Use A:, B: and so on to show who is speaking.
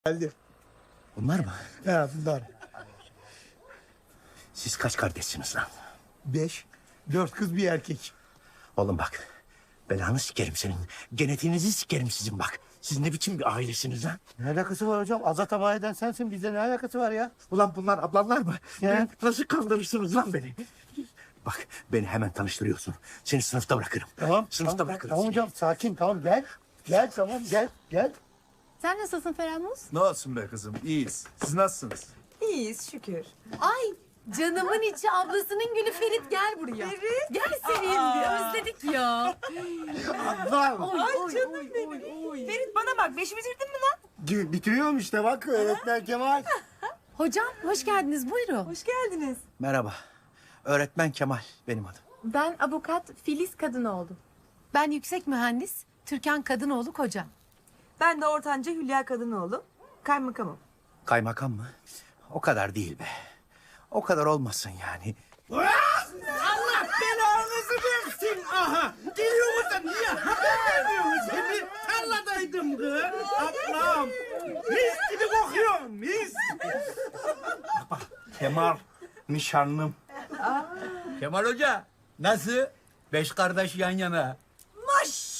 A: Geldi.
B: Bunlar mı?
A: He bunlar.
B: Siz kaç kardeşsiniz lan?
A: 5, 4 kız bir erkek.
B: Oğlum bak. Belanı sikerim senin. Genetiğinizi sikerim sizin bak. Siz ne biçim bir ailesiniz lan?
A: Ne alakası var hocam? Azat hava eden sensin. Bizde ne alakası var ya?
B: Ulan bunlar ablamlar mı?
A: Ya.
B: Nasıl kandırırsınız lan beni? Bak beni hemen tanıştırıyorsun. Seni sınıfta bırakırım.
A: Tamam.
B: Sınıfta
A: tamam,
B: bırakırım.
A: tamam
B: seni.
A: hocam sakin tamam gel. Gel tamam gel.
C: Sen nasılsın Feramuz?
D: Ne olsun be kızım, iyiyiz. Siz nasılsınız?
E: İyiyiz şükür.
C: Ay canımın içi ablasının gülü Ferit gel buraya. Ferit? Gel senin özledik ya.
A: Lan.
C: Ay
E: canım benim. Ferit bana bak, beşi bitirdin mi lan?
A: Bitiriyorum işte bak öğretmen Kemal.
C: Hocam hoş geldiniz buyurun.
E: Hoş geldiniz.
B: Merhaba. Öğretmen Kemal benim adım.
F: Ben avukat Filiz Kadınoğlu.
C: Ben yüksek mühendis Türkan Kadınoğlu kocam.
E: Ben de ortanca Hülya Kadınoğlu. Kaymakamım.
B: Kaymakam mı? O kadar değil be. O kadar olmasın yani.
A: Allah belanızı versin aha. Geliyor da niye haber vermiyorsunuz? Şimdi tarladaydım kız. Ablam. Mis gibi kokuyorum mis.
D: Kemal, nişanlım.
G: Kemal Hoca nasıl? 5 kardeş yan yana.
E: Maşallah.